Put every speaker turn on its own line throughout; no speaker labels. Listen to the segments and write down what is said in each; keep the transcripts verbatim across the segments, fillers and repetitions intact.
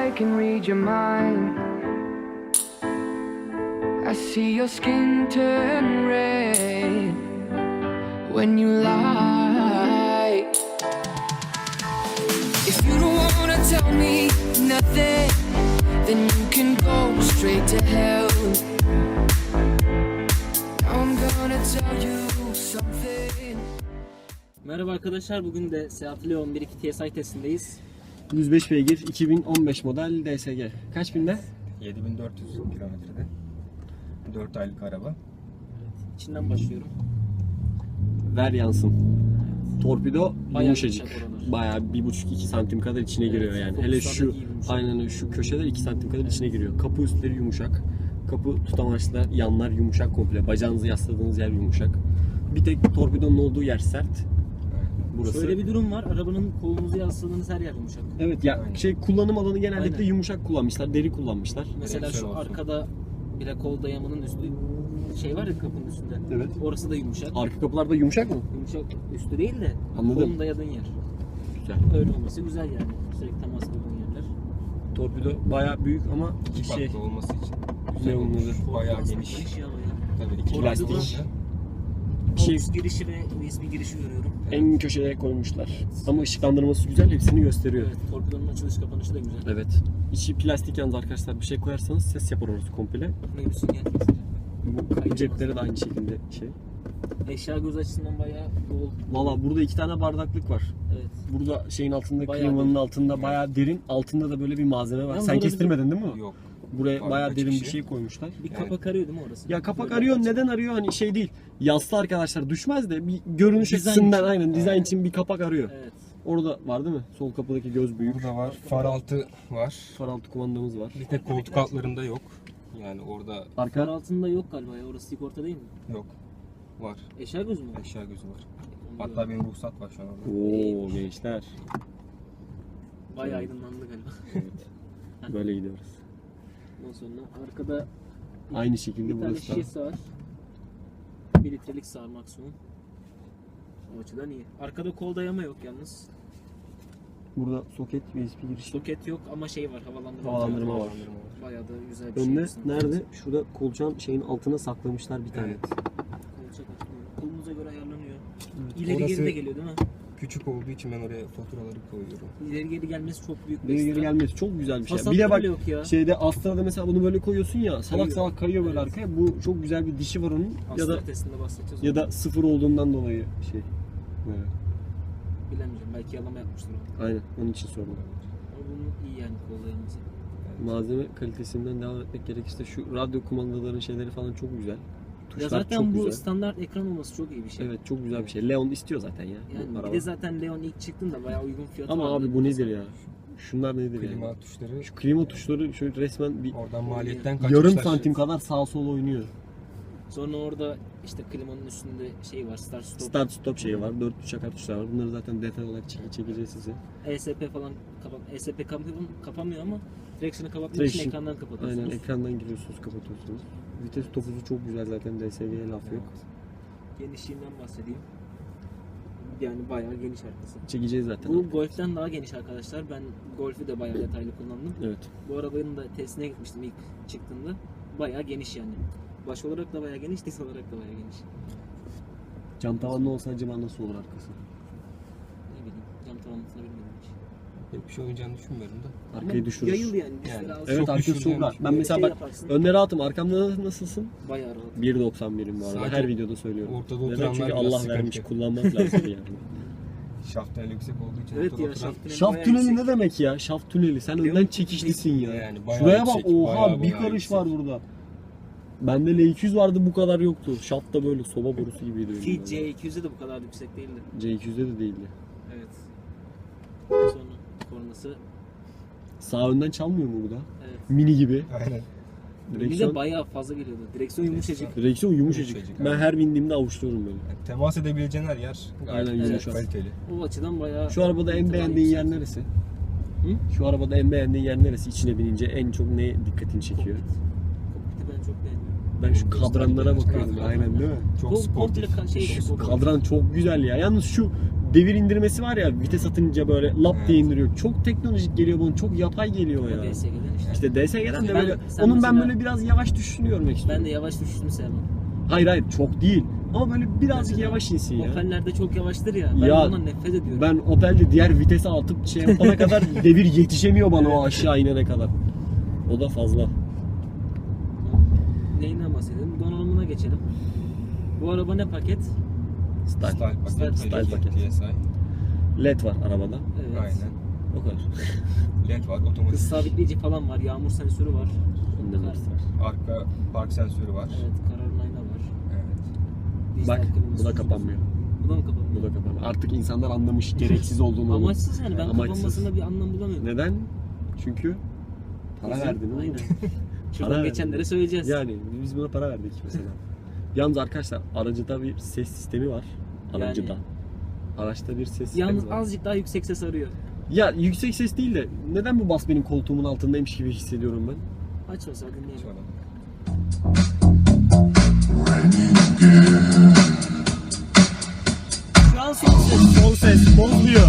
I can read your mind. I see your skin turn red when you lie. If you don't wanna tell me nothing, then you can go straight to hell. I'm gonna tell you something.
Merhaba arkadaşlar, bugün de Seat Leon bir iki T S I testindeyiz.
yüz beş beygir, iki bin on beş model D S G. Kaç binde?
yedi bin dört yüz kilometrede. dört aylık araba.
İçinden başlıyorum.
Ver yansın. Torpido
Bayağı
yumuşacık.
yumuşak oralar.
Bayağı bir buçuk iki santim kadar içine
Evet,
giriyor yani. Hele
fokuslarda
şu
iyi yumuşak.
aynen öyle, şu köşeler iki santim kadar içine giriyor. Kapı üstleri yumuşak. Kapı tutamaçlar, yanlar yumuşak komple. Bacağınızı yasladığınız yer yumuşak. Bir tek torpidonun olduğu yer sert. Burası.
Şöyle bir durum var, arabanın kolunuzu yasladığınız her yer yumuşak.
Evet ya
Aynen.
şey kullanım alanı genellikle
Aynen.
yumuşak kullanmışlar, deri kullanmışlar.
Mesela şu
Direksiyon olsun.
arkada bile kol dayamanın üstü şey var ya kapının üstünde.
Evet.
Orası da yumuşak.
Arka kapılarda yumuşak mı?
Yumuşak üstü değil de
Anladım.
kolun dayadığın yer.
Güzel.
Öyle olması güzel yani. Sürekli temas kurduğun yerler.
Torpido bayağı büyük ama
İki
şey
farklı olması için güzel
Ne
olmuş.
olmalı?
Bayağı
Aslında
geniş.
geniş ya bayağı.
Tabii iki
Plastik.
plastik.
şey
Aux girişi ve U S B girişi görüyorum.
en köşeye koymuşlar. Ama ışıklandırması güzel, hepsini gösteriyor.
Evet, torpidonun açılış kapanışı da güzel.
Evet. İçi plastik yalnız arkadaşlar, bir şey koyarsanız ses yapar orası komple.
Ne bir sünger.
Bu cepleri de aynı şekilde şey.
Eşya göz açısından bayağı bol.
Valla burada iki tane bardaklık var.
Evet.
Burada şeyin altında,
Bayağı
klimanın
derin.
altında bayağı derin. Altında da böyle bir malzeme var.
Yalnız
Sen
orada
kestirmedin değil mi?
Yok.
Buraya
Var,
bayağı
açık
derin bir
şey.
şey koymuşlar.
Bir
Yani-
kapak arıyor değil mi orası?
Ya kapak
Böyle
arıyor.
açık.
Neden arıyor? Hani şey değil. Yaslı arkadaşlar düşmez de bir görünüş
Dizayn
açısından
için.
aynen dizayn için bir kapak arıyor.
Evet.
Orada var değil mi? Sol kapıdaki göz büyük.
Burada var. Far altı var.
Far altı kumandamız var.
Bir tek koltuk altlarında yok. Yani orada
Far
Arka
altında yok galiba ya. Orası sigorta değil mi?
yok. Var.
Eşya göz mü?
Eşya gözü var.
Onu
Hatta
gördüm.
benim ruhsat var şu an orada.
Oo gençler.
Bayağı aydınlandı galiba.
Böyle gidiyoruz.
Ondan sonra arkada
Aynı şekilde
bir tane
burası da.
şişesi var. Bir litrelik sağ maksimum. O açıdan iyi. Arkada kol dayama yok yalnız.
Burada soket, U S B girişi.
Soket yok ama şey var, havalandırma.
Havalandırma var.
Havalandırma var.
Bayağı da güzel bir şey.
Önde
aslında.
nerede? Şurada kolçağın şeyin altına saklamışlar bir tane.
Evet.
Kolçak açılıyor. Kolunuza göre ayarlanıyor.
Evet.
İleri
Orası-
geri de geliyor değil mi?
Küçük olduğu için ben oraya faturaları koyuyorum.
İleri geri gelmesi çok büyük bir
Buraya geri
ekstra.
gelmesi çok güzel bir şey.
Fasat
Bir de bak
bile yok ya.
şeyde Astra'da mesela bunu böyle koyuyorsun ya, salak
Kayıyor.
salak kayıyor böyle
Evet.
arkaya. Bu çok güzel bir dişi var onun ya da
Aslı testinde bahsedeceğiz.
ya da sıfır olduğundan dolayı şey. Böyle.
Bilemeyeceğim. Belki yalama yapmıştır o.
Aynen onun için sordum.
Ama bunun iyi yani kollarımızı.
Malzeme kalitesinden devam etmek gerekirse şu radyo kumandaların şeyleri falan çok güzel.
Ya
Tuşlar
zaten
çok
bu
güzel.
standart ekran olması çok iyi bir şey.
Evet çok güzel bir şey. Leon istiyor zaten ya. bu
Yani bir
araba.
de zaten Leon ilk çıktığında bayağı uygun fiyatı
Ama
vardı.
abi bu nedir ya? Şunlar nedir
Klima
yani?
tuşları
Şu klima tuşları şöyle resmen bir
oradan maliyetten kaçmışlar.
yarım santim kadar sağ sol oynuyor.
Sonra orada işte klimanın üstünde şey var, start stop.
Start stop şeyi var. Dört çakar tuşlar var. Bunları zaten detay olarak çek çekeceğiz size.
E S P falan kapan E S P kapamıyor, kapamıyor ama direksiyonu kapatmak
Direksiyon-
için ekrandan kapatıyorsunuz.
Aynen ekrandan giriyorsunuz, kapatıyorsunuz. Vites topuzu çok güzel zaten, D S G'ye laf yok.
Genişliğinden bahsedeyim. Yani bayağı geniş arkası.
Çekeceğiz zaten.
Bu Golf'ten daha geniş arkadaşlar. Ben Golf'ü de bayağı detaylı kullandım.
Evet.
Bu arabanın da testine gitmiştim ilk çıktığında. Bayağı geniş yani. Baş olarak da bayağı geniş, diz olarak da bayağı geniş.
Cam tavanlı olsa acaba nasıl olur arkası?
Ne bileyim, cam tavanlısını bilmedim hiç.
Yok bir şey oynayacağını düşünmüyorum da.
Arkayı
Ama
düşürür.
yayıl yani. dizleri
Yani,
az.
Evet
Çok
arkası çok
düşüreceğim.
rahat. Ben
Böyle
mesela
şey
bak
yaparsın.
önleri rahatım. Arkamda nasılsın?
Bayağı rahat.
bir doksan birim bu arada.
Sadece
Her videoda söylüyorum.
ortada
Neden?
oturanlar
Çünkü
biraz
Allah
sıkıntı.
vermiş, kullanmak lazım yani.
Şaft tüneli yüksek olduğu için
Evet
ortada
ya,
oturan-
şaft tüneli
Şaft
bayağı
tüneli
yüksek.
ne demek ya? Şaft tüneli. Sen
Leon
önden çekişlisin ya.
Yani bayağı
Şuraya bak,
yüksek,
oha
bayağı
bir
bayağı
karış
yüksek.
var burada. Bende L iki yüz vardı, bu kadar yoktu. Şaft da böyle soba borusu gibiydi.
Ki C iki yüzde de bu kadar yüksek değildi.
C iki yüzde de değildi.
Evet. Sonra kornası.
Sağ önden çalmıyor mu bu da?
Evet.
Mini gibi.
Aynen.
Bir de
Direksiyon,
bayağı fazla geliyordu. Direksiyon yumuşacık.
direksiyon yumuşacık.
Yumuşacık,
Ben
aynen.
her bindiğimde avuçluyorum böyle.
Yani temas edebileceğin her yer gayet
Aynen,
güzel,
yumuşak.
kaliteli.
O açıdan bayağı...
Şu arabada en beğendiğin yer neresi?
Hı?
Şu arabada en beğendiğin yer neresi? İçine binince en çok ne dikkatini çekiyor?
Kokpit. Kokpiti ben çok beğendim.
Ben şu
Göstergeler,
kadranlara bakıyorum.
kadran.
Aynen değil mi?
Çok
Bu
sportif.
komple ka- şey,
Şu
spor.
kadran çok güzel ya. Yalnız şu devir indirmesi var ya, vites atınca böyle lap diye
Evet.
indiriyor. Çok teknolojik geliyor bana. Çok yapay geliyor ya.
D S G'den işte.
İşte D S G'den de
Ben-
böyle
sen
onun ben
mesela-
böyle biraz yavaş düşüşünü görmek istiyorum.
Ben de yavaş düşüşünü sevmem.
Hayır hayır çok değil. Ama böyle birazcık
Mesela
yavaş insin ya.
Opel'lerde çok yavaştır ya. Ben
Ya,
ondan nefret ediyorum.
Ben Opel'de diğer vitese atıp şey yapana kadar devir yetişemiyor bana o aşağı inene kadar. O da fazla.
Neyinden bahsedelim? Donanımına geçelim. Bu araba ne paket?
Style.
Style paket.
Style-
style
elli iki
paket.
T S I.
L E D var arabada.
Evet.
Aynen.
O kadar.
L E D var, otomatik.
Hız sabitleyici falan var. Yağmur sensörü var.
Ondan
Kar-
hepsi var.
Arka park sensörü var.
Evet, kararın ayna var.
Evet.
Dijital
Bak
kliması
bu da
var.
kapanmıyor.
Bu da mı kapanmıyor?
Bu da kapanmıyor. Artık insanlar anlamış gereksiz olduğunu. onun.
Amaçsız yani, ben
Amaçsız.
kapanmasında bir anlam bulamıyorum.
Neden? Çünkü para
Bizim-
verdin oğlum.
Aynen.
Para
Şuradan
verdin.
geçenlere söyleyeceğiz.
Yani biz buna para verdik mesela. Yalnız arkadaşlar aracıda bir ses sistemi var. Aracıda.
Yani-
Araçta bir ses sistemi
Yalnız
var.
azıcık daha yüksek ses arıyor.
Ya yüksek ses değil de neden bu bas benim koltuğumun altındaymış gibi hissediyorum ben.
Aç mesela dinleyelim.
Şöyle.
Şu an son ses.
Son ses bozmuyor.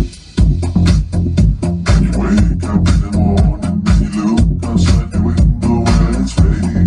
Wake up in the morning and you look outside the window and it's raining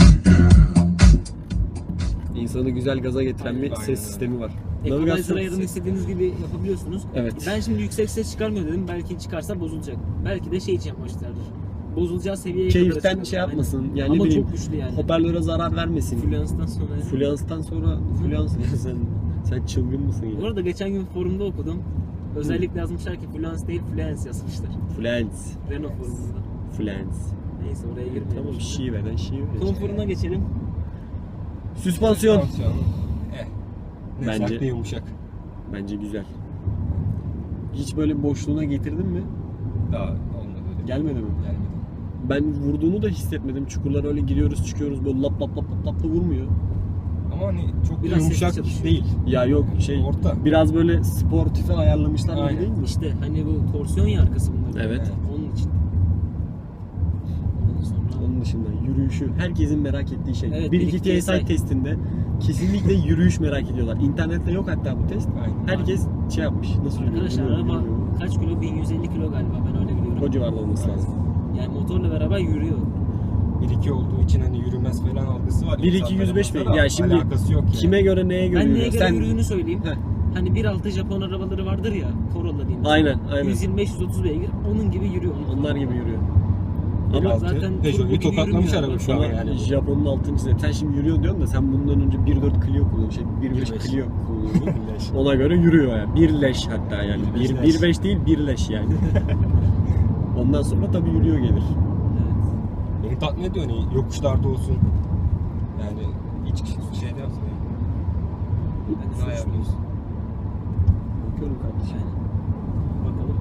again.
İnsanı güzel gaza getiren bir
Aynen,
ses
aynen.
sistemi var.
Equalizer ayarını istediğiniz gibi yapabiliyorsunuz.
Evet.
Ben şimdi yüksek ses çıkarmıyor dedim. Belki çıkarsa bozulacak. Belki de şey için yapmışlardır. Bozulacağı seviyeye kadar
Keyiften
açılır.
şey yapmasın.
Aynen.
Yani ne
Ama
bileyim,
çok güçlü yani.
hoparlöre zarar vermesin.
Fluence'dan sonra.
Fluence'dan sonra Fluence sen sen çılgın mısın
Bu
ya?
arada geçen gün forumda okudum. Özellikle yazmışlar ki Fluence değil Fluence yazmışlar.
Fluence.
Renault forumunda.
Fluence.
Neyse oraya girmeyelim.
Tamam
şimdi.
şiveden şive.
Konforuna geçelim.
Süspansiyon.
Süspansiyon. Eh. Ne
Bence-
sert ne yumuşak.
Bence güzel. Hiç böyle boşluğuna getirdin mi?
Daha olmadı öyle.
Gelmedi mi?
Gelmedi.
Ben vurduğunu da hissetmedim. Çukurlara öyle giriyoruz çıkıyoruz böyle lap lap lap lap lap da vurmuyor.
Ama hani çok
Biraz
yumuşak
sesli çalışıyor.
değil.
Ya yok şey
Orta.
biraz böyle sportife ayarlamışlar gibi
Aynen.
değil mi?
İşte hani bu torsiyon ya arkası bunların.
Evet.
Onun için. Ondan sonra
Onun dışında yürüyüşü herkesin merak ettiği şey.
Evet,
bir
bir
iki
iki
T
T
S
S
I
I
testinde kesinlikle yürüyüş merak ediyorlar. İnternette yok hatta bu test.
Aynen.
Herkes şey yapmış. Nasıl yürüyor?
arkadaşlar
yürüyor,
araba
yürüyor.
kaç kilo? bin yüz elli kilo galiba, ben öyle biliyorum.
O civarda olması lazım.
Yani motorla beraber yürüyor.
bir iki olduğu için hani yürümez falan algısı var.
bir iki
İnsanların
yüz beş
ortada
mi?
da
Ya şimdi
alakası yok yani.
kime göre neye göre
Ben neye
yürüyor?
göre
Sen...
yürüdüğünü söyleyeyim.
Heh.
Hani bir altı Japon arabaları vardır ya, Corolla diyeyim. mesela.
Aynen aynen.
yüz yirmi beş yüz otuz beygir, onun gibi yürüyor.
Onlar gibi yürüyor.
Bir
Ama
altı
zaten turbo
Peugeot'u
gibi
tokatlamış
yürümüyor
araba şu
araba.
an
Sana
yani.
Japon'un altıncı sınıfı. Sen şimdi yürüyor diyorsun da sen bundan önce bir dört Clio kullanıyordun. Şey bir beş
bir beş.
Clio kullanıyordun.
Leş.
Ona göre yürüyor yani. Bir leş hatta yani.
Bir beş
Bir,
leş.
bir beş değil bir leş yani. Ondan sonra tabii yürüyor gelir.
Evet.
Beni tatmin ediyor hani yokuşlarda olsun. Yani hiç şeyde yapsın.
Hadi
Ne
sürüş
ayarlıyorsun?
Bakıyorum kardeşim.
Aynen. Bakalım.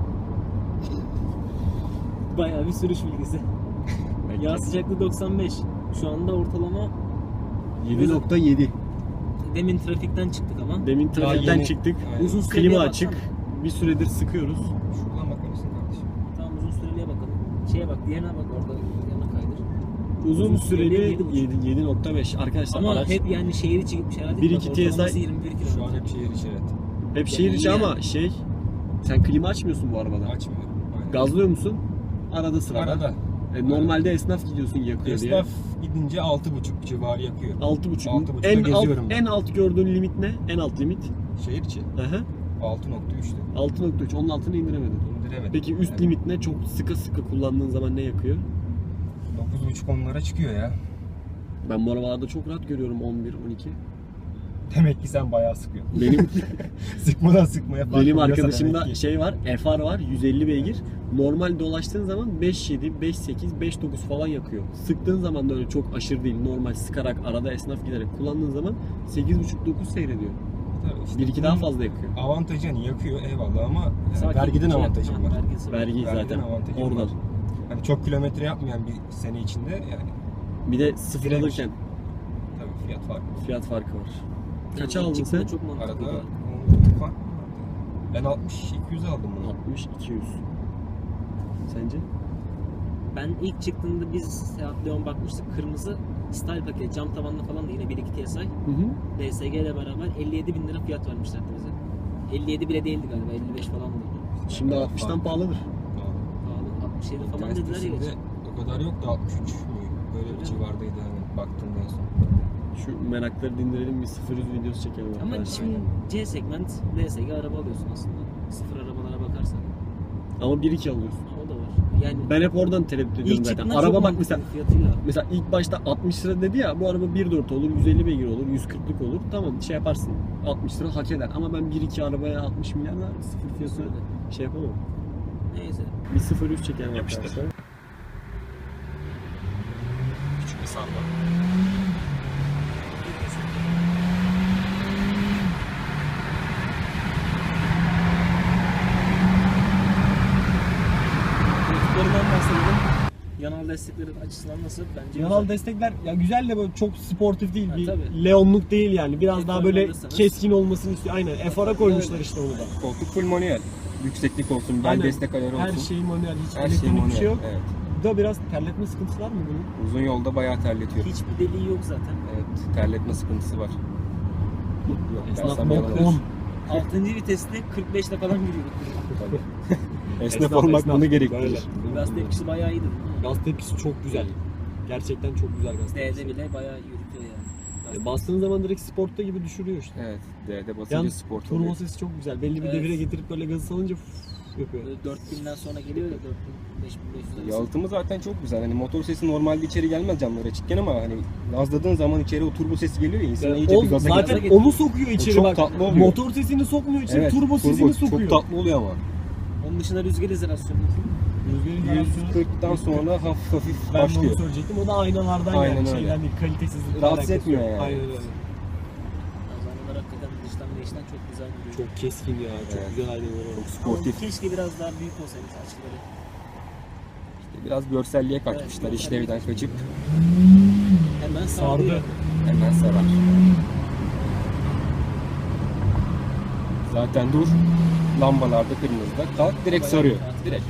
Bayağı bir sürüş bilgisi. Yağ sıcaklığı doksan beş. Şu anda ortalama
yedi nokta yedi.
demin trafikten çıktık ama.
Demin
Daha
trafikten
yeni-
çıktık.
Aynen.
Uzun süreliğe
Klima
baksana.
açık. Bir süredir sıkıyoruz.
Şuradan bakar mısın kardeşim?
Tamam, uzun süreliğe bakalım. Şeye bak, diğerine bak, orada yana kaydır.
Uzun,
Uzun
süreli
süreli yedi buçuk.
yedi nokta beş. Arkadaşlar
Ama
araç
hep yani şehir içi gitmiş herhalde.
Bir
Bak,
iki T S I
ortalaması yirmi bir kilometre.
Şu an hep şehir içi evet.
hep şehir içi
Yani-
ama şey sen klima açmıyorsun bu arabada.
Açmıyorum. Aynen.
Gazlıyor musun? Arada sırada.
Arada.
E, normalde esnaf gidiyorsun yakıyor diye.
Esnaf gidince altı buçuk civarı yakıyor.
altı buçuk.
altı buçukta
En alt,
geziyorum ben.
en alt gördüğün limit ne? En alt limit.
Şehir içi.
Aha.
altı nokta üçtü.
altı nokta üç. Onun altını indiremedin.
İndiremedim.
Peki üst
Yani
limit ne? Çok sıkı sıkı kullandığın zaman ne yakıyor?
dokuz buçuk onlara çıkıyor ya.
Ben bu arabalarda çok rahat görüyorum on bir on iki.
Demek ki sen bayağı sıkıyorsun.
Benim
Sıkmadan sıkmaya fark
benim
oluyorsa
arkadaşımda
demek ki.
şey var. F R var yüz elli beygir. Normal dolaştığın zaman beş yedi, beş sekiz, beş dokuz falan yakıyor. Sıktığın zaman da öyle çok aşırı değil. Normal sıkarak arada esnaf giderek kullandığın zaman sekiz buçuk dokuz seyrediyor.
Tabii işte
bir iki daha fazla yakıyor.
avantajı hani yakıyor eyvallah ama yani
Sakin
vergiden
şey
avantajım
yapma,
var.
vergisi var.
Vergi
Vergiden
zaten
avantajım
oradan.
var. Hani çok kilometre yapmayan bir sene içinde yani
Bir de sıfır
Direnç.
alırken
tabii fiyat farkı.
fiyat farkı var. Kaça
Yani
aldın
çıktığında
sen?
Çok mantıklı.
Arada
değil.
on fark mı vardı? Ben altmış iki yüz aldım bunu.
altmış iki yüz. Sence?
Ben ilk çıktığında biz Seat Leon bakmıştık, kırmızı Style paket, cam tavanlı falan da yine bir iki T S I.
Hı hı.
D S G ile beraber elli yedi bin lira fiyat vermişlerdi bize. elli yedi bile değildi galiba, elli beş falandı.
Şimdi altmıştan pahalıdır.
Pahalı, altmış yedi falan dediler ya.
Sitesinde
geçen.
o kadar yok da altmış üç mü? Böyle bir civardaydı hani baktığımda en son.
Şu merakları dindirelim, bir sıfır yüz videosu çekelim.
Ama
arkadaşlar.
şimdi C segment D S G araba alıyorsun aslında. Sıfır arabalara bakarsan.
Ama bir iki alıyorsun.
O da var. Yani
Ben hep oradan tereddüt ediyorum
ilk
zaten.
çıktığında
Araba
çok
bak
mantıklı
mesela
fiyatıyla.
mesela ilk başta altmış lira dedi ya, bu araba bir dört olur, yüz elli beygir olur, yüz kırklık olur. Tamam şey yaparsın. altmış lira hak eder ama ben bir iki arabaya altmış milyar da sıfır fiyatı şey yapamam.
Neyse.
Bir sıfır yüz çekelim
Yapıştır.
arkadaşlar.
Küçük bir salla.
Koltuklarından bahsedelim. Yanal destekleri açısından nasıl? Bence
Yanal
güzel.
destekler ya güzel de böyle çok sportif değil,
Ha,
bir
tabii.
Leonluk değil yani. Biraz
F
daha
R
böyle
alırsanız-
keskin olmasını istiyor. Aynen F R'a koymuşlar işte onu da.
Koltuk full manuel. Yükseklik olsun, bel
Aynen.
destek ayarı olsun.
Her şey manuel, hiç
Her şey
elektronik
manuel.
bir şey yok.
Evet.
Bu da biraz terletme sıkıntısı var mı bunun?
Uzun yolda bayağı terletiyor.
Hiçbir deliği yok zaten.
Evet, terletme sıkıntısı var. Yok,
Esnaf
dersem
bok
yalan
on.
olur.
altıncı viteste kırk beşle falan gidiyorduk.
Esnaf,
Esnaf,
olmak
esnaf.
bunu gerektirir.
Böyle.
Gaz tepkisi bayağı iyiydi.
Gaz tepkisi çok güzel. Gerçekten çok güzel gaz tepkisi.
D'de bile bayağı yürütüyor yani. Gaz
E, bastığın zaman direkt sportta gibi düşürüyor işte.
Evet, D'de basınca
Yalnız
sport
turbo
oluyor.
sesi çok güzel. Belli bir
Evet.
devire getirip böyle gazı salınca fıf yapıyor.
Böyle dört binden sonra geliyor ya, dört bin beş bin beş yüz arası.
Yalıtımı zaten çok güzel. Hani motor sesi normalde içeri gelmez camlar açıkken ama hani gazladığın zaman içeri o turbo sesi geliyor ya insana iyice
O
bir gaza
zaten
getiriyor.
onu sokuyor içeri
çok
bak.
tatlı oluyor.
Motor sesini sokmuyor içeri,
Evet,
turbo sesini
turbo
sokuyor.
çok tatlı oluyor ama.
Onun dışında rüzgar izolasyonu.
Rüzgarın
yüz
garasyonu-
kırktan sonra hafif hafif
Ben de onu
başlıyor.
söyleyecektim. O da aynalardan
Aynen
yani
öyle.
şeyden değil, kalitesizlik.
Rahatsız etmiyor yani.
Aynen öyle.
Kazanlar hakikaten dıştan ve içten çok güzel duruyor.
Çok keskin ya, çok
Evet.
güzel aynalar var.
Çok
Ama
sportif.
keşke biraz daha büyük olsaymış açıkları.
Biraz görselliğe kaçmışlar
Evet,
işlevden kaçıp
Hemen
Sardı.
sardı.
hemen sarar. Zaten dur, lambalarda kırmızıda kalk direkt sarıyor. Direkt.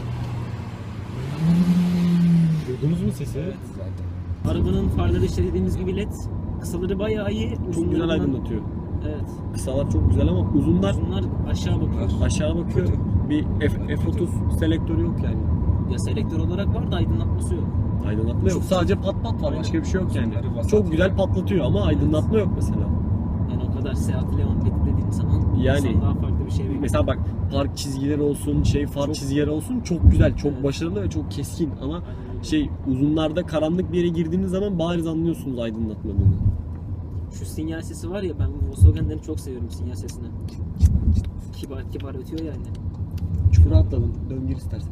Duydunuz mu sesi?
Evet.
Zaten.
Arabanın farları işte dediğimiz gibi led. Kısaları bayağı iyi.
Çok
uzunlarından-
güzel aydınlatıyor.
Evet.
Kısalar çok güzel ama uzunlar
Uzunlar aşağı bakıyor.
aşağı bakıyor.
Kötü.
Bir F, F otuz selektörü yok yani.
Ya selektör olarak var da aydınlatması yok.
Aydınlatma yok. Sadece pat pat var. Başka bir şey yok yani.
Uzunları vasat
Çok güzel
yani.
patlatıyor ama aydınlatma yok mesela.
Yani o kadar Seat Leon led dediğin zaman
Yani-
insan daha farklı bir şey bekliyor.
Mesela bak park çizgileri olsun, şey far
Çok-
çizgileri olsun çok güzel, çok
Evet.
başarılı ve çok keskin ama
Aynen öyle.
şey uzunlarda karanlık bir yere girdiğiniz zaman bariz anlıyorsunuz aydınlatmadığını.
Şu sinyal sesi var ya, ben Volkswagen'leri çok seviyorum sinyal sesini. Kibar kibar ötüyor yani.
Çukura atladın. Dön gir istersen.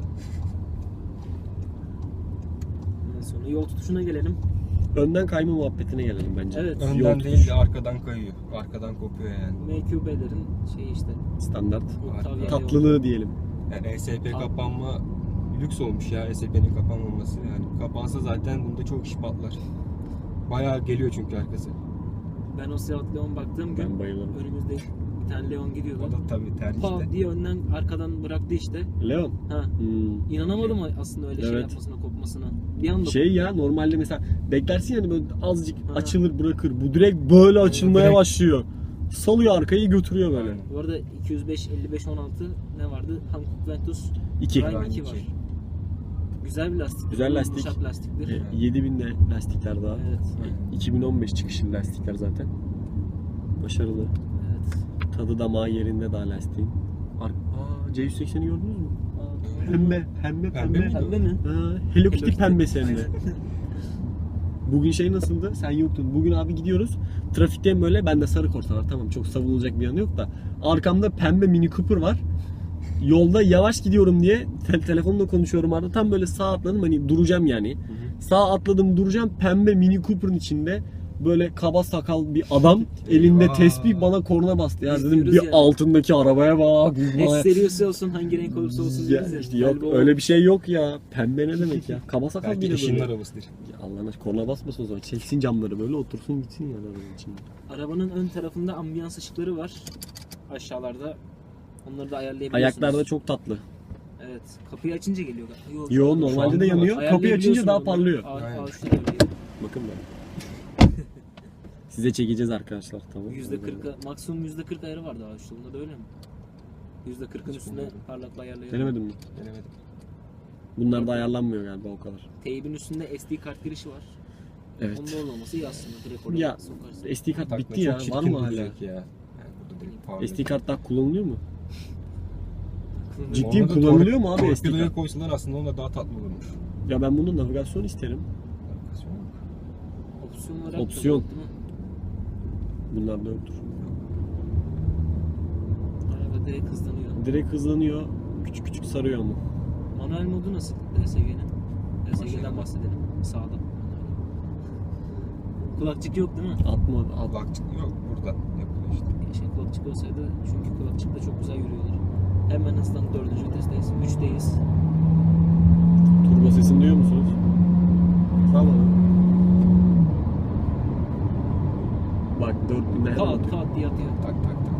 Ondan sonra yol tutuşuna gelelim.
Önden kayma muhabbetine gelelim bence.
Evet.
Yol
Önden
tutuş,
değil de arkadan kayıyor. Arkadan kopuyor yani.
M Q B'lerin şeyi işte.
standart.
Octavia
Tatlılığı diyelim.
Yani E S P
Abi.
kapanma lüks olmuş ya E S P'nin kapanmaması. Yani kapansa zaten bunda çok iş patlar. Bayağı geliyor çünkü arkası.
Ben o Seat Leon baktığım gün
Ben bayılırım.
önümüzde bir tane Leon gidiyordu.
O da tabii tercihte.
Pa diye önden arkadan bıraktı işte.
Leon.
Ha.
Hmm.
İnanamadım aslında öyle şey
Evet.
yapmasına, kopmasına. Bir anda
Şey ya normalde mesela beklersin yani böyle azıcık
Ha.
açılır bırakır. Bu direkt böyle açılmaya
direkt.
başlıyor. Salıyor arkayı götürüyor böyle.
Aynen.
Bu arada iki yüz beş elli beş on altı ne vardı? Hankook Ventus
İki.
Prime
Prime
iki
iki.
var. Güzel bir lastik.
Güzel lastik.
Yumuşak lastiktir.
E, yedi binle lastikler daha.
Evet.
E, iki bin on beş çıkışlı lastikler zaten. Başarılı.
Evet.
Tadı damağı yerinde daha lastiğin. Ar- Aa, C yüz sekseni gördünüz mü?
Aa,
Pembe, pembe,
Pembe
pembe.
mi?
Pembe mi?
Ha, Hello Kitty
Hello Kitty.
pembesi hem de.
Aynen.
Bugün şey nasıldı? Sen yoktun. Bugün abi gidiyoruz. Trafikten böyle bende sarı korsa var. Tamam çok savunulacak bir yanı yok da. Arkamda pembe Mini Cooper var. Yolda yavaş gidiyorum diye te- telefonla konuşuyorum arada. Tam böyle sağ atladım hani duracağım yani. Sağ atladım duracağım. Pembe Mini Cooper'ın içinde böyle kaba sakal bir adam elinde
Eyvah.
tespih bana korna bastı. Ya
Biz
dedim
diyoruz
bir
ya.
altındaki arabaya bak.
Ne serisi olsun, hangi renk olursa olsun
Ya,
deriz ya.
işte yok
Galiba o.
öyle bir şey yok ya. Pembe ne demek ya? Kaba sakal
Belki
bile
eşinin
böyle.
arabasıdır.
Ya Allah'ın aşkına korna basmasın o zaman. Çeksin camları böyle otursun gitsin yani arabanın içinde.
Arabanın ön tarafında ambiyans ışıkları var. Aşağılarda. Onları da ayarlayabiliyorsunuz.
Ayaklarda çok tatlı.
Evet. Kapıyı açınca geliyor. Yo,
Yo
an
normalde
da
de
var.
yanıyor. Kapıyı açınca
Ayarlayabiliyorsun
daha
onu.
parlıyor.
Aa,
Aynen.
aa, şurada öyle.
Bakın ben. Size çekeceğiz arkadaşlar, tamam.
yüzde kırka maksimum yüzde kırk ayarı vardı abi şu bunda da öyle mi? yüzde kırkın
Hiç
üstüne
bilmiyorum.
parlaklığı ayarlayalım.
Denemedin mi?
Denemedim.
Bunlar da ayarlanmıyor galiba o kadar.
Teybin üstünde S D kart girişi var.
Evet.
Onun orada olması iyi aslında. Direkt oraya
Ya
sokarsın.
S D kart
Takma
bitti ya.
çok
Var
çirkin
mı hala?
duracak ya. Yani burada direkt parlıyor.
S D kart daha kullanılıyor mu?
Aklında-
Ciddi
Ona da
kullanılıyor
tor-
mu abi S D
Torpidoya
kart?
koysalar aslında ona daha tatlı olurmuş.
Ya ben bunun navigasyon isterim.
Navigasyon yok.
Opsiyon olarak da
Opsiyon.
yok, değil mi?
Bunlar da yoktur.
Araba direkt hızlanıyor.
Direkt hızlanıyor. Küçük küçük sarıyor ama.
Manuel modu nasıl D S G'nin? D S G'den
Başlayalım.
bahsedelim. Sağda. Kulakçık yok değil mi?
Atma, at.
Kulakçık yok burada yapılıyor işte.
Keşke kulakçık olsaydı çünkü kulakçıkla çok güzel yürüyorlar. Hemen hızlan dördüncü vitesteyiz. Üçteyiz.
Turbo sesini duyuyor musunuz? Tamam. Bak dört binde hemen
Kat
atıyor.
kat diye atıyor.
Tak tak tak.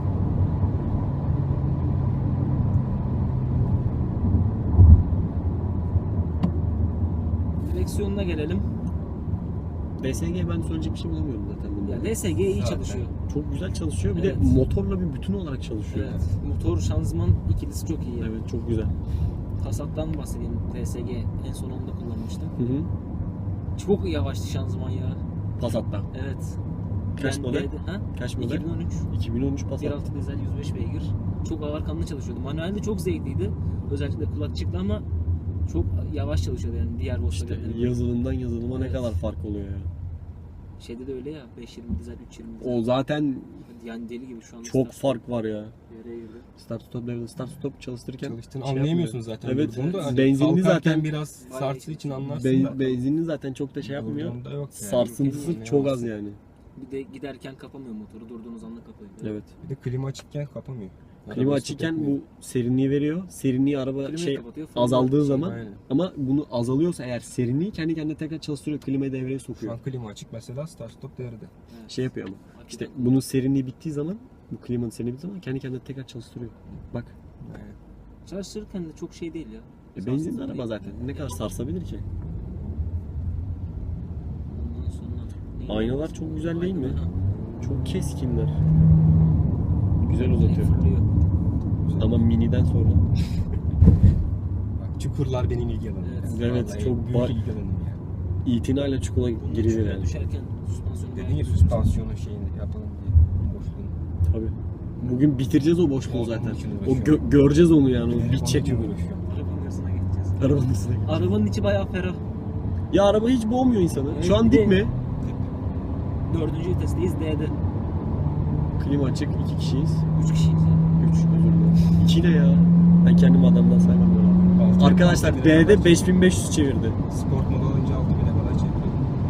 Direksiyonuna gelelim.
D S G ben söyleyecek bir şey bulamıyorum zaten bunda.
Ya D S G iyi
Zaten.
çalışıyor.
Çok güzel çalışıyor. Bir
Evet.
de motorla bir bütün olarak çalışıyor.
Evet. Motor şanzıman ikilisi çok iyi.
Evet, çok güzel.
Passat'tan bahsedeyim. D S G en son onu da kullanmıştım.
Hı hı.
Çok yavaştı şanzıman ya.
Passat'ta.
Evet.
Kaç
Yani
model?
D'de- ha?
Kaç model?
iki bin on üç.
iki bin on üç
bir
Passat.
altı dizel yüz beş beygir. Çok ağır kanlı çalışıyordu. Manuelde çok zevkliydi. Özellikle kulakçıklı ama çok yavaş çalışıyordu yani diğer
İşte
Volkswagen'lerin.
yazılımdan yazılıma ne
Evet.
kadar fark oluyor ya.
Şeyde de öyle ya beş yirmi dizel üç yirmi dizel.
O zaten
Yani deli gibi şu an.
çok fark var ya.
Yere girdi.
Start stop level, start stop çalıştırırken
Çalıştığını
şey
anlayamıyorsun
yapmıyor.
zaten.
Evet.
Durduğunda hani
Benzinli
kalkarken
zaten
biraz
Bayağı
sarsı
iyi.
için anlarsın
Ben,
da.
benzinli zaten çok da şey yapmıyor.
Durduğunda yok yani.
Sarsıntısı
Yani
çok az
anlayamazsın.
yani.
Bir de giderken kapamıyor motoru. Durduğunuz anda kapıyor.
Evet.
Bir de klima açıkken kapamıyor.
Klima
Araba
açıkken
stop
bu
etmiyor.
serinliği veriyor. Serinliği araba
Klimayı
şey
kapatıyor, fırını
azaldığı
şey-
zaman
Aynen.
ama bunu azalıyorsa eğer serinliği kendi kendine tekrar çalıştırıyor. Klimayı devreye
Şu
sokuyor.
an klima açık mesela start stop devrede.
Evet.
Şey yapıyor ama. İşte
Hakikaten.
bunun serinliği bittiği zaman, bu klimanın serinliği bittiği zaman kendi kendine tekrar çalıştırıyor. Bak.
Aynen.
Çalıştırırken de çok şey değil ya.
E, benzinli
Sarsıntı
araba
değil.
zaten. Ne kadar sarsabilir ki?
Ondan sonra neyi-
Aynalar çok güzel değil mi?
Aynalar, ha.
Çok keskinler. Güzel uzatıyor.
Fırlıyor.
Ama miniden sonra.
Bak çukurlar benim ilgi alanım.
Evet.
yani.
Evet,
Vallahi
çok
büyük
var.
ilgi alanım ya.
İtinayla çukura
Bunun
girilir
çukura
yani.
düşerken süspansiyonu
Dedin
bayağı
ya
güzel.
süspansiyonu şeyini yapalım diye. Boşluğunu.
Tabii. Bugün bitireceğiz o boşluğu
Onun
zaten.
için
O
uğraşıyorum.
gö- göreceğiz onu yani. O
Onun
bitecek
için
mi?
uğraşıyorum.
Arabanın hırsına geçeceğiz.
Arabanın üstüne.
Arabanın içi bayağı ferah.
Ya araba hiç boğmuyor insanı.
Evet,
Şu an
bir
dik
de-
mi?
Dördüncü vitesteyiz D'de.
Klima açık. iki kişiyiz.
Üç kişiyiz yani.
Üç özür dilerim. İki ne ya? Ben kendimi adamdan saymam ya.
Altı-
Arkadaşlar
altı bine
D'de
kadar
beş bin beş yüz çevirdi.
çekiyor. Sport modu alınca altı bine kadar çekiyor.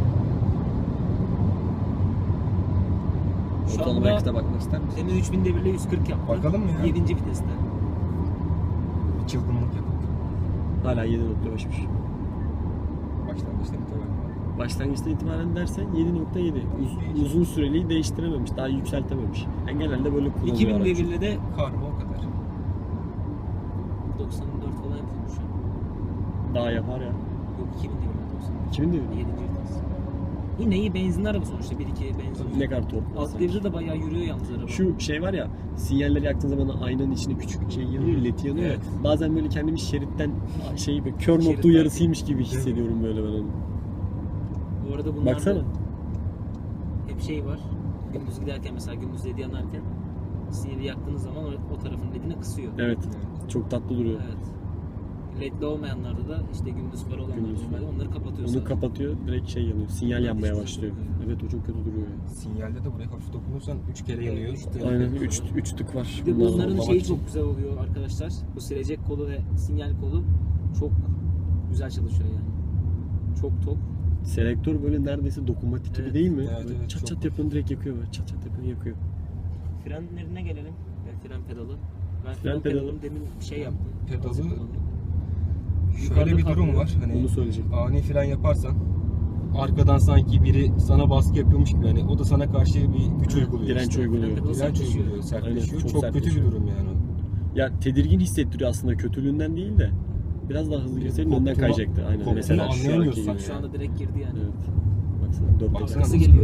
Şu
Ortalama
anda
yakıta bakmak ister misin?
demin üç bin devirle yüz kırk yaptı.
Bakalım mı ya?
yedinci viteste.
Bir çılgınlık yapıp.
Hala yedi nokta beşmiş.
Başlangıçta bir teori var.
Başlangıçta itibaren dersen yedi nokta yedi. Uz- uzun süreliği değiştirememiş. Daha yükseltememiş. Yani genelde böyle kullanılıyor
iki bin
araç.
devirle de
Karma o kadar.
doksan dört falan yapıyormuş.
Daha yapar ya.
Yok iki bin devirle doksan.
iki bin devir.
yedinci vites. Yine iyi benzinli araba sonuçta. bir iki benzin.
Ne kadar tork var
Alt
sanki.
devirde de bayağı yürüyor yalnız araba.
Şu şey var ya, sinyalleri yaktığın zaman aynanın içine küçük şey yanıyor, led yanıyor
Evet.
ya. Bazen böyle kendimi şeritten şey böyle kör nokta
Şeritten
uyarısıymış gibi hissediyorum böyle ben onu.
Bu arada bunlarda
Baksana.
hep şey var. Gündüz giderken mesela gündüz led yanarken sinyali yaktığınız zaman o, o tarafın ledini kısıyor.
Evet, çok tatlı duruyor.
Evet. Ledli olmayanlarda da işte gündüz farı olanlar
Gündüz
normalde
farı.
onları kapatıyor.
Onu
sadece.
kapatıyor, direkt şey yanıyor, sinyal
Evet,
yanmaya
işte
başlıyor.
çok-
Evet, o çok kötü duruyor ya.
Sinyalde de buraya hafif dokunursan üç kere yanıyor.
üç tık.
Aynen, üç üç tık var.
Bir de
Bunlar
bunların
olmamak
şeyi
için.
çok güzel oluyor arkadaşlar. Bu silecek kolu ve sinyal kolu çok güzel çalışıyor yani. Çok tok.
Selektör böyle neredeyse dokunmatik gibi
Evet.
değil mi?
Evet,
Böyle
evet,
çat
çok-
çat yapıyorsun direkt yakıyor böyle. Çat çat yapıyorsun yakıyor.
Frenlerine gelelim. Yani fren pedalı. Ben
Fren
fren,
pedalı.
pedalım demin bir şey yaptım.
Pedalı-
Azıcık kullandım.
Şöyle
Yukarıda
bir durum
kalkıyor.
var. Hani
Onu söyleyecektim.
ani fren yaparsan arkadan sanki biri sana baskı yapıyormuş gibi yani o da sana karşı bir güç
Ha,
uyguluyor.
direnç
işte.
uyguluyor.
Fren pedalı
Direnç
sertleşiyor.
uyguluyor, sertleşiyor.
Aynen, çok
çok kötü bir
sertleşiyor.
durum yani.
Ya tedirgin hissettiriyor aslında, kötülüğünden değil de. Biraz daha hızlı girseydin önden
Korktuğunu-
kayacaktı. Aynen.
korktuğunu
Mesela şu anki
anlayamıyorsun
gibi.
Bak şu anda direkt girdi yani.
Evet. Baksana dört
Baksana
teker.
Nasıl
nasıl
geliyor?
geliyor?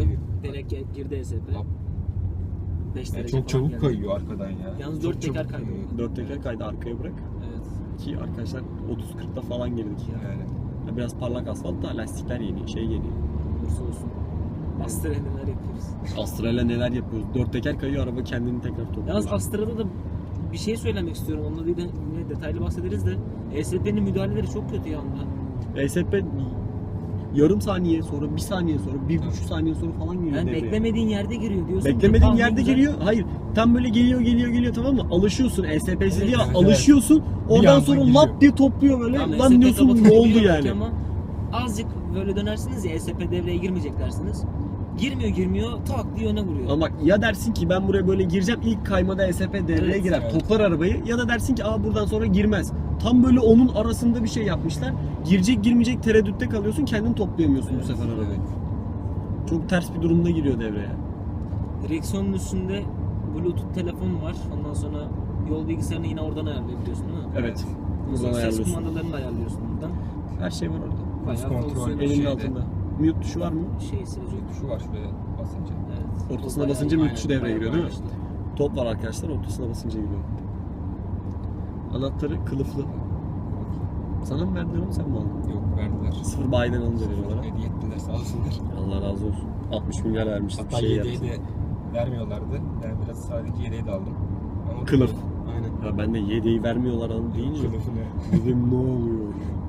S P N'ye girdi E S P.
Lap.
beş
Yani
derece
çok
falan
çabuk
geldi.
kayıyor arkadan ya.
Yalnız
Çok
dört teker
çabuk
kaydı.
kayıyor.
Dört teker kaydı arkaya bırak.
Evet.
Ki arkadaşlar otuz kırkta falan girdik.
Yani.
Ya biraz parlak asfalt da lastikler yeni, şey yeni.
Olursa olsun. Astra'ya neler yapıyoruz.
Astra'yla neler yapıyoruz? Dört teker kayıyor, araba kendini tekrar topluyor.
Yalnız Astra'da da bir şey söylemek istiyorum. Onunla değil de yine detaylı bahsederiz de E S P'nin müdahaleleri çok kötü ya onda.
E S P yarım saniye sonra, bir saniye sonra, bir
Tabii.
buçuk saniye sonra falan giriyor
Yani
devreye.
beklemediğin yerde giriyor diyorsun. ki,
Beklemediğin
tamam,
yerde
güzel.
geliyor. Hayır. Tam böyle geliyor geliyor geliyor, tamam mı? Alışıyorsun. E S P'si
Evet,
diye
evet,
alışıyorsun. Oradan
anda
sonra
giriyor.
lap diye topluyor böyle.
Tamam,
Lan
E S P
diyorsun
kapatınca
ne oldu
giriyor
yani?
belki Ama azıcık böyle dönersiniz ya E S P devreye girmeyecek dersiniz. Girmiyor girmiyor tak diye öne vuruyor.
Ama bak, ya dersin ki ben buraya böyle gireceğim, ilk kaymada E S P devreye
Evet,
girer,
evet.
toplar arabayı, ya da dersin ki aa buradan sonra girmez. Tam böyle onun arasında bir şey yapmışlar. Girecek girmeyecek tereddütte kalıyorsun, kendin toplayamıyorsun
Evet,
bu sefer arabayı.
Evet.
Çok ters bir durumda giriyor devreye.
Direksiyonun üstünde Bluetooth telefon var. Ondan sonra yol bilgisayarını yine oradan ayarlayabiliyorsun değil mi?
Evet.
Ondan sonra
Buradan
ses
ayarlıyorsun.
kumandalarını da ayarlıyorsun buradan.
Her şey var orada.
Bayağı
kontrol.
fonksiyonel
Elinin
Şeyde.
altında. Mute tuşu var mı?
şey silecek.
Şu var şuraya basınca.
Evet.
Ortasına
O bayağı
basınca
iyi.
mute tuşu devreye
Bayağı
giriyor değil mi?
bayağı işte.
Top var arkadaşlar, ortasına basınca giriyor. Anahtarı kılıflı. Sana mı verdiler onu, sen mi aldın?
Yok verdiler.
Sıfır bayiden alınca veriyorlar ha.
Hediye ettiler sağ olsunlar.
Allah razı olsun. altmış milyar vermiştik bir
Hatta
şey
yedeği
yaptı.
de vermiyorlardı. Ben biraz sadece yedeği de aldım. Ama
Kılıf.
Aynen.
Ya ben de yedeği vermiyorlar an deyince
Kılıfı ne?
dedim ne oluyor?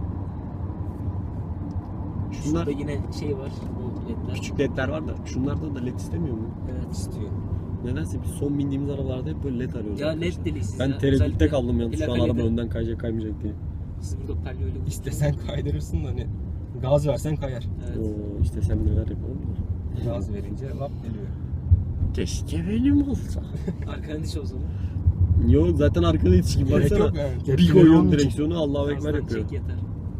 Şunlar
Şurada yine şey var. O ledler.
küçük ledler var da şunlarda da led istemiyor mu?
Evet.
İstiyor.
Nedense biz son bindiğimiz arabalarda hep böyle led arıyoruz.
Ya
arkadaşlar.
led delisiz
Ben
ya.
tereddütte
Özellikle
kaldım yalnız şu an
plakayı
araba
da-
önden kayacak kaymayacak diye.
Siz burada palyoyla
İstesen kaydırırsın da hani gaz versen kayar.
Evet.
Oo, istesem neler yaparım da.
Gaz verince lap geliyor.
Keşke benim olsa.
Arkadan diş olsa da.
Yo zaten arkada hiç gibi
Gerek
baksana.
yok yani.
Bir
Tepkileri
koyuyorsun
onun için.
direksiyonu, Allahu Ekber
Gazdan
yapıyor.
çek yeter.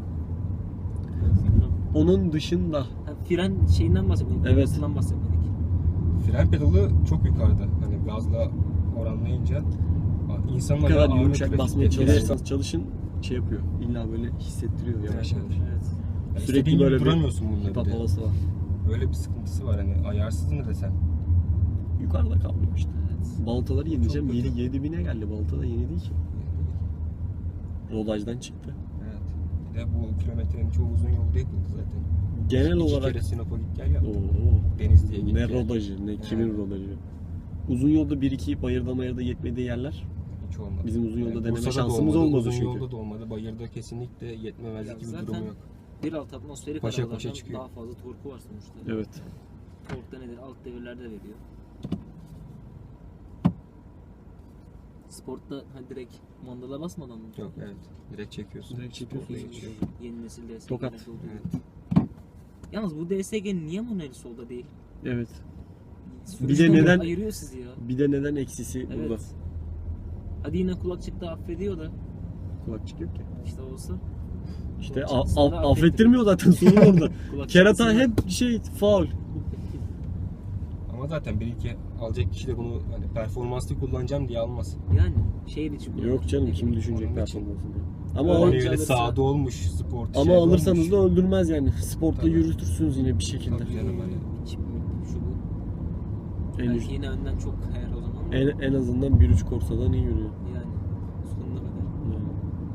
Onun dışında
Ha, fren şeyinden bahsetmedik.
Evet.
Evet. bahsetmedik.
Fren pedalı çok yukarıda. Hani gazla oranlayınca insanın
ne kadar
ayağı ağırlık
yumuşak
ve
basmaya
şiddet
çalışırsanız çalışın şey yapıyor. İlla böyle hissettiriyor yavaş
Evet,
yavaş.
Evet.
Yani
Sürekli
istediğin
böyle
gibi
bir
duramıyorsun bununla
hip hop
bir de.
havası var.
Öyle bir sıkıntısı var hani ayarsız mı desem.
Yukarıda kalıyor işte.
Evet.
Baltaları yenileceğim.
Çok kötü.
yedi yedi bine geldi. Balta da yeni değil ki. Rodajdan çıktı.
Evet. Bir de bu kilometrenin çoğu uzun yolda yapıldı zaten.
Genel
İki
olarak
kere Sinop'a git gel yaptım.
Oo,
Denizli'ye git
ne
gel.
rodajı, ne kimin
Evet.
rodajı. Uzun yolda bir iki bayırda mayırda yetmediği yerler.
Hiç olmadı.
Bizim uzun yolda deneme
Bursa'da da
şansımız
olmadı,
olmadı
uzun
çünkü.
yolda da olmadı. Bayırda kesinlikle yetmemezlik
Ya
gibi bir
zaten-
durum yok.
bir altı atmosferik
Paşa
arabalardan
paşa çıkıyor.
daha fazla torku var sonuçta.
Evet.
Tork da nedir? Alt devirlerde veriyor. Sportta ha, direkt mandala basmadan mı?
Yok evet. Direkt çekiyorsun.
Direkt çekiyorsun.
Sportla geçiyor.
Yeni nesil D S G'lerde
Tokat.
olduğu gibi.
Evet.
Yalnız bu D S G niye manuel solda değil?
Evet.
Sürücüden
neden-
ayırıyor sizi ya.
Bir de neden eksisi
Evet.
burada?
Hadi yine kulakçıkta affediyor da
Kulakçık yok ki.
işte olsa.
İşte a-
Kulakçık
a-
sana
affettirmiyor zaten sorun orada.
Kulakçık
Kerata
kısmı-
hep şey faul.
Ama zaten bir iki alacak kişi de bunu hani performanslı kullanacağım diye almaz.
Yani şehir içi kullanır.
Yok canım kim
Onun
düşünecek
Onun için.
performansını. Ama
Öyle
o,
Hani
Alınca
öyle
alırsa-
sağda olmuş spor.
ama
şeyde
alırsanız
olmuş.
da öldürmez yani. Sportla
Tabii.
yürütürsünüz yine bir şekilde.
Tabii canım hani.
İçim şu bu.
En,
Belki yine önden çok kayar o zaman.
en, en azından bir üç Corsa'dan iyi yürüyor.
Yani sonuna kadar.
Yani.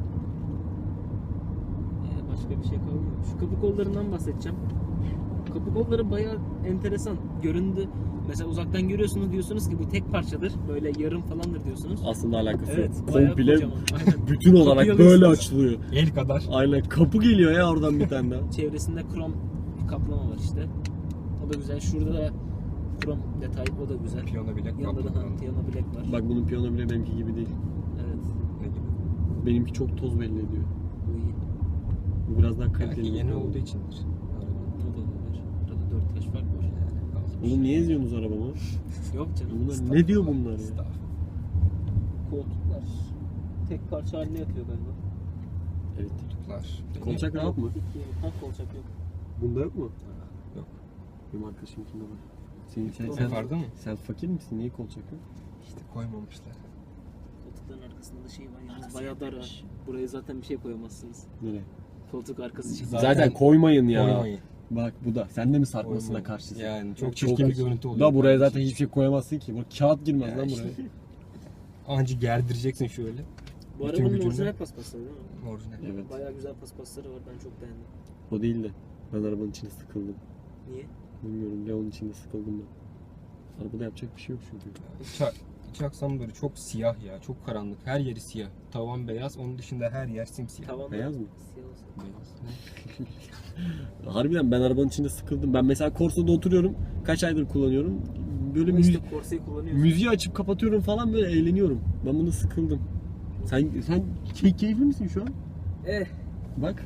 Ee, başka bir şey kalmıyor. Şu kapı kollarından bahsedeceğim. Kapı kolları bayağı enteresan. Göründü. Mesela uzaktan görüyorsunuz diyorsunuz ki bu tek parçadır. Böyle yarım falandır diyorsunuz.
Aslında alakası
Evet,
yok.
bayağı
Komple
kocaman. Aynen.
bütün olarak
Kapıyı
böyle
alıyorsunuz.
açılıyor.
El kadar.
Aynen kapı geliyor ya oradan bir tane daha.
Çevresinde krom bir kaplama var işte. O da güzel. Şurada da krom detay, o da güzel.
Piyano bile
Yanında da
kaplı.
ha, piyano bilek var.
Bak bunun piyano bile benimki gibi değil.
Evet.
Ne gibi?
Benimki çok toz belli ediyor.
Bu iyi.
Bu biraz daha
Belki
kaliteli.
yeni
bir
olduğu
piyano.
içindir.
Bu da olabilir. Burada dört yaş fark var.
Oğlum niye izliyorsunuz arabamı?
Yok canım.
Bunlar ne diyor bunlar ya?
Staff.
Koltuklar tek parça haline yapıyor galiba.
Evet.
Koltuklar.
Kolçak rahat mı?
Ha kolçak yok.
Bunda yok mu?
Yok.
Benim arkadaşımkinde var. Senin sen,
Yok.
sen,
Vardı mı?
sen fakir misin? Niye kolçak yok?
İşte koymamışlar.
Koltukların arkasında da şey var yalnız bayağı dar ha. Buraya zaten bir şey koyamazsınız.
Nereye?
Koltuk arkası için.
Zaten-
Zaten, koymayın ya.
Koymayın.
Bak bu da. Sen de mi sarkmasına
Oyun-
karşısın?
Yani çok çirkin bir görüntü oluyor.
Da buraya zaten
kardeşim.
hiçbir şey koyamazsın ki. Buraya kağıt girmez
Ya
lan
işte.
buraya.
Anca gerdireceksin şöyle.
Bu
Bütün
arabanın
gücünle.
orijinal paspasları değil mi?
Orijinal.
Evet.
Bayağı güzel paspasları var. Ben çok beğendim.
O değil de. Ben arabanın içinde sıkıldım.
Niye?
Bilmiyorum Leon'un içinde sıkıldım ben. Arabada yapacak bir şey yok çünkü.
İç, iç aksam böyle çok siyah ya. Çok karanlık. Her yeri siyah. Tavan beyaz. Onun dışında her yer simsiyah.
Tavan
Beyaz mı?
Siyah olsa.
Beyaz.
Harbiden ben arabanın içinde sıkıldım. Ben mesela Corsa'da oturuyorum. Kaç aydır kullanıyorum. Böyle
Ama
müzi-
işte Corsa'yı kullanıyorsun.
müziği açıp kapatıyorum falan böyle eğleniyorum. Ben bunu sıkıldım. Sen sen key- keyifli misin şu an?
Eh,
Bak.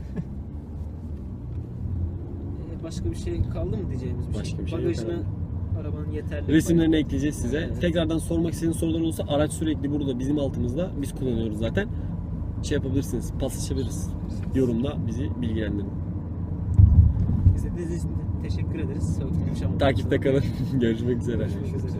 eh, başka bir şey kaldı mı diyeceğimiz bir
Başka
şey?
bir şey yok
Bagajına arabanın yeterli.
Resimlerini
bayağı-
ekleyeceğiz size.
Evet.
Tekrardan sormak istediğiniz sorular olursa araç sürekli burada bizim altımızda. Biz kullanıyoruz zaten. Şey yapabilirsiniz. Paslaşabiliriz. Yorumda bizi bilgilendirin.
İzlediğiniz için teşekkür ederiz. Çok yumuşamadık.
Takipte kalın. Görüşmek üzere.
Görüşmek üzere.